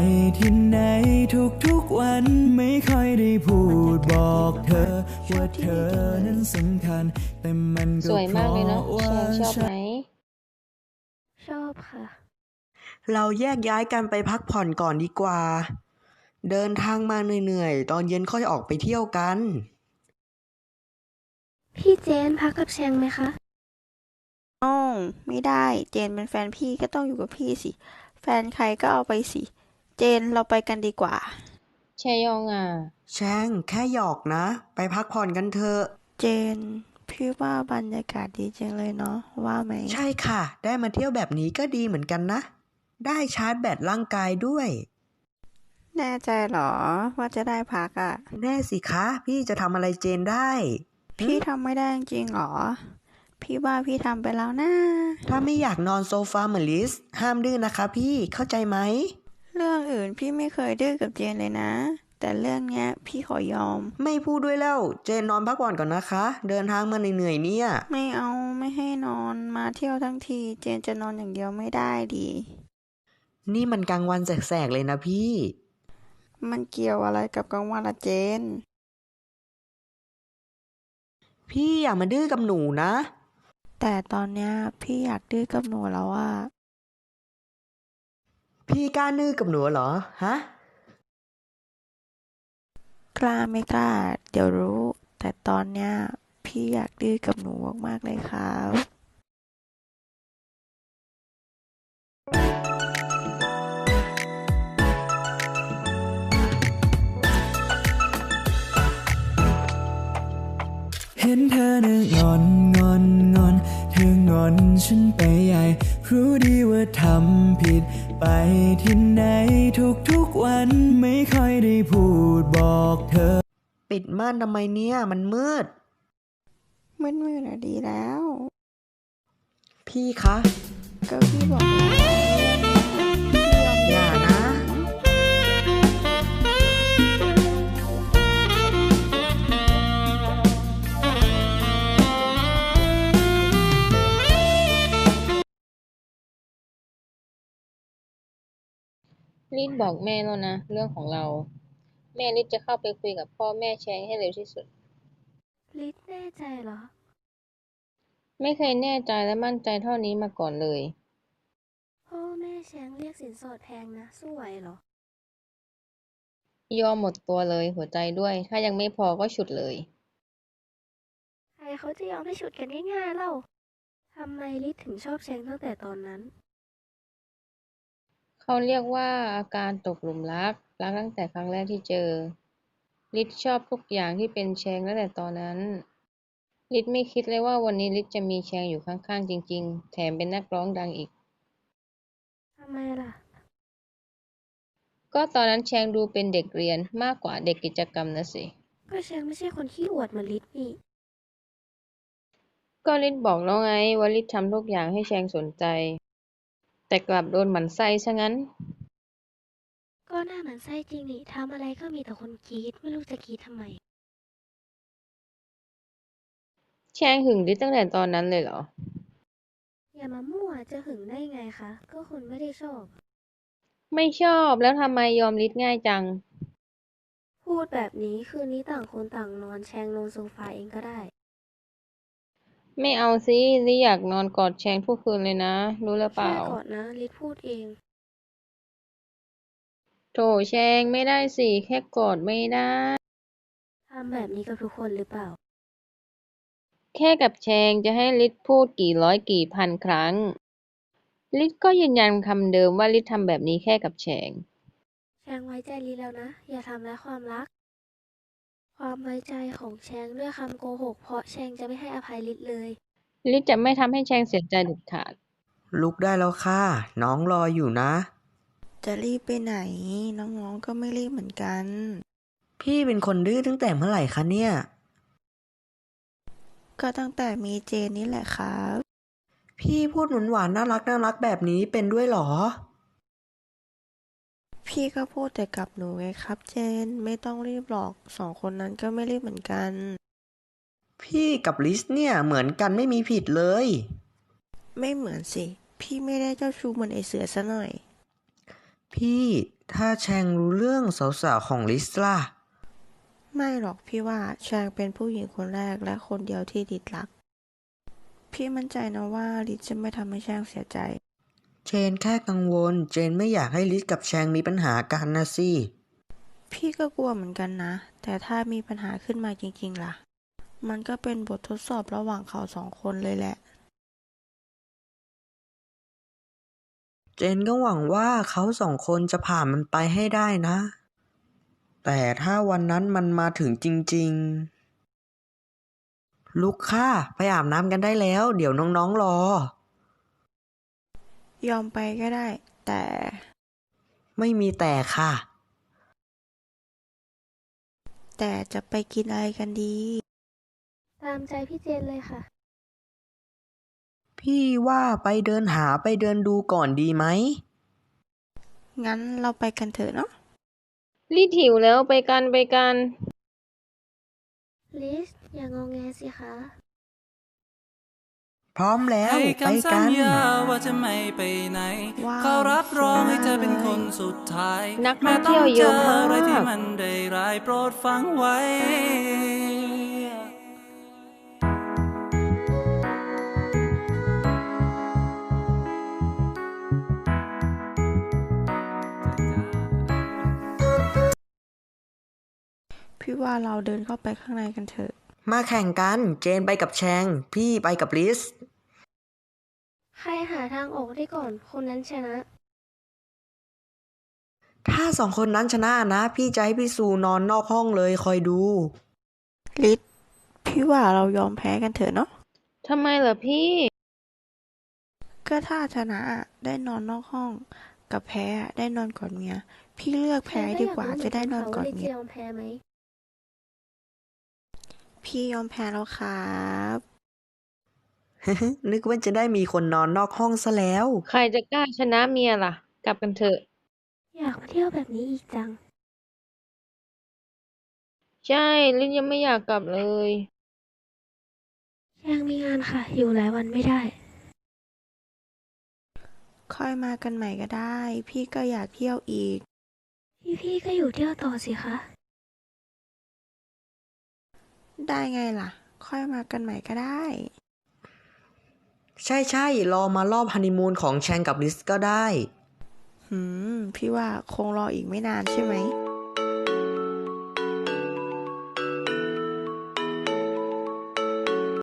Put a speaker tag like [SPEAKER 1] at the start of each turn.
[SPEAKER 1] ที่ไหนทุกๆวันไม่ค่อยได้พูดบอกเธอว่าเธอนั้นสำคัญแต่มัน
[SPEAKER 2] ส
[SPEAKER 1] ก็
[SPEAKER 2] วย
[SPEAKER 1] เพ
[SPEAKER 2] มากเลย
[SPEAKER 1] ราะ
[SPEAKER 2] เนาะแช
[SPEAKER 1] ว่า
[SPEAKER 2] งชอบไหม
[SPEAKER 3] ชอบค่ะ
[SPEAKER 4] เราแยกย้ายกันไปพักผ่อนก่อนดีกว่า เดินทางมาเหนื่อยๆ ตอนเย็นค่อยออกไปเที่ยวกัน
[SPEAKER 3] พี่เจนพักกับแชงไหมคะ
[SPEAKER 5] อ้าวไม่ได้เจนเป็นแฟนพี่ก็ต้องอยู่กับพี่สิแฟนใครก็เอาไปสิเจนเราไปกันดีกว่า
[SPEAKER 2] แชยองอ่ะ
[SPEAKER 4] แช่งแค่หยอกนะ ไปพักผ่อนกันเถอะ
[SPEAKER 5] เจนพี่ว่าบรรยากาศดีจังเลยเนาะว่าไหม
[SPEAKER 4] ใช่ค่ะ ได้มาเที่ยวแบบนี้ก็ดีเหมือนกันนะ ได้ชาร์จแบตร่างกายด้วย
[SPEAKER 5] แน่ใจเหรอว่าจะได้พักอ่ะ
[SPEAKER 4] แน่สิคะ พี่จะทำอะไรเจนได้
[SPEAKER 5] พี่ทำไม่ได้จริงเหรอพี่ว่าพี่ทำไปแล้วนะ
[SPEAKER 4] ถ้าไม่อยากนอนโซฟาเหมือนลิสห้ามดื้อนะคะพี่เข้าใจไหม
[SPEAKER 5] เรื่องอื่นพี่ไม่เคยดื้อกับเจนเลยนะแต่เรื่องเนี้ยพี่ขอยอม
[SPEAKER 4] ไม่พูดด้วยแล้ว เจนนอนพักผ่อนก่อนนะคะ เดินทางมาเหนื่อยๆเนี่ย
[SPEAKER 5] ไม่เอาไม่ให้นอนมาเที่ยวทั้งทีเจนจะนอนอย่างเดียวไม่ได้ดิ
[SPEAKER 4] นี่มันกลางวันแสกๆเลยนะพี่
[SPEAKER 5] มันเกี่ยวอะไรกับกลางวันละเจน
[SPEAKER 4] พี่อย่ามาดื้อกับหนูนะ
[SPEAKER 5] แต่ตอนเนี้ยพี่อยากดื้อกับหนูแล้วอะ
[SPEAKER 4] พี่กล้าดื้อกับหนูเหรอ ฮะ
[SPEAKER 5] กล้าไม่กล้าเดี๋ยวรู้ แต่ตอนเนี้ยพี่อยากดื้อกับหนูมากๆเลยครับ
[SPEAKER 1] เห็นเธอน่ะงอนเธองอนฉันไปใหญ่รู้ดีว่าทำผิดไปที่ไหนทุกวันไม่ค่อยได้พูดบอกเธอ
[SPEAKER 4] ปิดม่านทำไมเนี่ย มันมืด
[SPEAKER 5] มืดๆอะดีแล้ว
[SPEAKER 4] พี่คะ
[SPEAKER 5] ก็พี่บอกแล้วพี่ยอม
[SPEAKER 4] อย่านะ
[SPEAKER 2] ลิศบอกแม่แล้วนะเรื่องของเราแม่ลิศจะเข้าไปคุยกับพ่อแม่แชงให้เร็วที่สุด
[SPEAKER 3] ลิศแน่ใจเหรอ
[SPEAKER 2] ไม่เคยแน่ใจและมั่นใจเท่านี้มาก่อนเลย
[SPEAKER 3] พ่อแม่แชงเรียกสินสอดแพงนะสู้ไหวเหรอ
[SPEAKER 2] ยอมหมดตัวเลยหัวใจด้วยถ้ายังไม่พอก็ฉุดเลย
[SPEAKER 3] ใครเขาจะยอมให้ฉุดกันง่ายๆเล่า ทำไมลิศถึงชอบแชงตั้งแต่ตอนนั้น
[SPEAKER 2] เขาเรียกว่าอาการตกหลุมรักตั้งแต่ครั้งแรกที่เจอลิศชอบทุกอย่างที่เป็นแชงตั้งแต่ตอนนั้นลิศไม่คิดเลยว่าวันนี้ลิศจะมีแชงอยู่ข้างๆจริงๆแถมเป็นนักร้องดังอีก
[SPEAKER 3] ทำไมล่ะ
[SPEAKER 2] ก็ตอนนั้นแชงดูเป็นเด็กเรียนมากกว่าเด็กกิจกรรมนะสิ
[SPEAKER 3] ก็แชงไม่ใช่คนขี้อวดเหมือนลิศนี่
[SPEAKER 2] ก็ลิศบอกแล้วไงว่าลิศทำทุกอย่างให้แชงสนใจแต่กลับโดนหมั่นไส้ซะงั้น
[SPEAKER 3] ก็หน้าหมันไส้จริงนี่ทำอะไรก็มีแต่คนกรี๊ดไม่รู้จะกรี๊ดทำไม
[SPEAKER 2] แชงหึงลิศตั้งแต่ตอนนั้นเลยเหรอ
[SPEAKER 3] อย่ามามั่วจะหึงได้ไงคะ ก็คนไม่ได้ชอบ
[SPEAKER 2] ไม่ชอบแล้วทำไมยอมลิศง่ายจัง
[SPEAKER 3] พูดแบบนี้คืนนี้ต่างคนต่างนอนแชงลงโซฟาเองก็ได้
[SPEAKER 2] ไม่เอาสิลิศอยากนอนกอดแชงทุกคืนเลยนะรู้หรือเป
[SPEAKER 3] แค่
[SPEAKER 2] ล่า
[SPEAKER 3] ก่อนนะลิศพูดเอง
[SPEAKER 2] โถแชงไม่ได้สิแค่กอดไม่ได้
[SPEAKER 3] ทำแบบนี้กับทุกคนหรือเปล่า
[SPEAKER 2] แค่กับแชงจะให้ลิศพูดกี่ร้อยกี่พันครั้งลิศก็ยืนยันคำเดิมว่าลิศทำแบบนี้แค่กับแชง
[SPEAKER 3] แชงไว้ใจลิศแล้วนะ อย่าทำร้ายความรัก ความไว้ใจของแชงด้วยคำโกหกเพราะแชงจะไม่ให้อภัยลิศเลย
[SPEAKER 2] ลิศจะไม่ทำให้แชงเสียใจเด็ดขาด
[SPEAKER 4] ลุกได้แล้วค่ะ น้องรออยู่นะ
[SPEAKER 5] จะรีบไปไหนน้องๆก็ไม่รีบเหมือนกัน
[SPEAKER 4] พี่เป็นคนดื้อตั้งแต่เมื่อไหร่คะเนี่ย
[SPEAKER 5] ก็ตั้งแต่มีเจนนี่แหละครับ
[SPEAKER 4] พี่พูดหวานๆน่ารักแบบนี้เป็นด้วยเหรอ
[SPEAKER 5] พี่ก็พูดแต่กับหนูไงครับเจนไม่ต้องรีบหรอกสองคนนั้นก็ไม่รีบเหมือนกัน
[SPEAKER 4] พี่กับลิสเนี่ยเหมือนกันไม่มีผิดเลย
[SPEAKER 5] ไม่เหมือนสิพี่ไม่ได้เจ้าชู้เหมือนไอเสือซะหน่อย
[SPEAKER 4] พี่ถ้าแชงรู้เรื่องสาวๆของลิสล่ะ
[SPEAKER 5] ไม่หรอกพี่ว่าแชงเป็นผู้หญิงคนแรกและคนเดียวที่ลิศรัก พี่มั่นใจนะว่าลิศจะไม่ทำให้แชงเสียใจ
[SPEAKER 4] เจนแค่กังวล เจนไม่อยากให้ลิสกับแชงมีปัญหากันนะสิ
[SPEAKER 5] พี่ก็กลัวเหมือนกันนะ แต่ถ้ามีปัญหาขึ้นมาจริงๆล่ะ มันก็เป็นบททดสอบระหว่างเขาสองคนเลยแหละ
[SPEAKER 4] เจนก็หวังว่าเขาสองคนจะผ่านมันไปให้ได้นะ แต่ถ้าวันนั้นมันมาถึงจริงๆ ลุกค่ะไปอาบน้ำกันได้แล้ว เดี๋ยวน้องๆรอ
[SPEAKER 5] ยอมไปก็ได้ แต่
[SPEAKER 4] ไม่มีแต่ค่ะ
[SPEAKER 5] แต่จะไปกินอะไรกันดี
[SPEAKER 3] ตามใจพี่เจนเลยค่ะ
[SPEAKER 4] พี่ว่าไปเดินหาไปเดินดูก่อนดีไหม
[SPEAKER 5] งั้นเราไปกันเถอะเนาะ
[SPEAKER 2] ลิศหิวแล้วไปกันไปกัน
[SPEAKER 3] ลิสอย่างงอแงสิคะ
[SPEAKER 4] พร้อมแล้ว
[SPEAKER 6] ให้
[SPEAKER 4] ไป
[SPEAKER 6] คำสั
[SPEAKER 4] กั
[SPEAKER 6] ญ
[SPEAKER 4] น
[SPEAKER 6] ญาว่าจะไม่ไปไหน
[SPEAKER 5] ว้าว
[SPEAKER 6] เขารับรองให้เธอเป็น
[SPEAKER 5] สวยมาก
[SPEAKER 6] คนสุดท้าย
[SPEAKER 2] นักท่องเที่ยวเยอะมาก
[SPEAKER 6] แม้ต้องเจออะไรที่มันได้ร้ายโปรดฟังไว้
[SPEAKER 5] พี่ว่าเราเดินเข้าไปข้างในกันเถอะ
[SPEAKER 4] มาแข่งกัน เจนไปกับแชง พี่ไปกับลิส
[SPEAKER 3] ใครหาทางออกได้ก่อนคนนั้นชนะ
[SPEAKER 4] ถ้าสองคนนั้นชนะนะ พี่จะให้พี่ซูนอนนอกห้องเลยคอยดู
[SPEAKER 5] ลิศพี่ว่าเรายอมแพ้กันเถอะเนาะ
[SPEAKER 2] ทำไมเหรอพี่
[SPEAKER 5] ก็ถ้าชนะอะได้นอนนอกห้อง กับแพ้อะได้นอนก่อนเมีย พี่เลือกแพ้ดีกว่าจะได้นอนก่อน
[SPEAKER 3] ลิส
[SPEAKER 5] เมี
[SPEAKER 3] จะ
[SPEAKER 5] ย
[SPEAKER 3] ยอมแพ้ไหม
[SPEAKER 5] พี่ยอมแพ้แล้วครับ
[SPEAKER 4] นึกว่าจะได้มีคนนอนนอกห้องซะแล้ว
[SPEAKER 2] ใครจะกล้าชนะเมียล่ะ กลับกันเถอะ
[SPEAKER 3] อยากมาเที่ยวแบบนี้อีกจัง
[SPEAKER 2] ใช่ลิศยังไม่อยากกลับเลย
[SPEAKER 3] ยังมีงานค่ะ อยู่หลายวันไม่ได้
[SPEAKER 5] ค่อยมากันใหม่ก็ได้ พี่ก็อยากเที่ยวอีก
[SPEAKER 3] พี่ก็อยู่เที่ยวต่อสิคะ
[SPEAKER 5] ได้ไงล่ะ ค่อยมากันใหม่ก็ได้
[SPEAKER 4] ใช่ๆ รอมารอบฮันนีมูนของแชงกับลิสก็ได้
[SPEAKER 5] พี่ว่าคงรออีกไม่นานใช่ไหม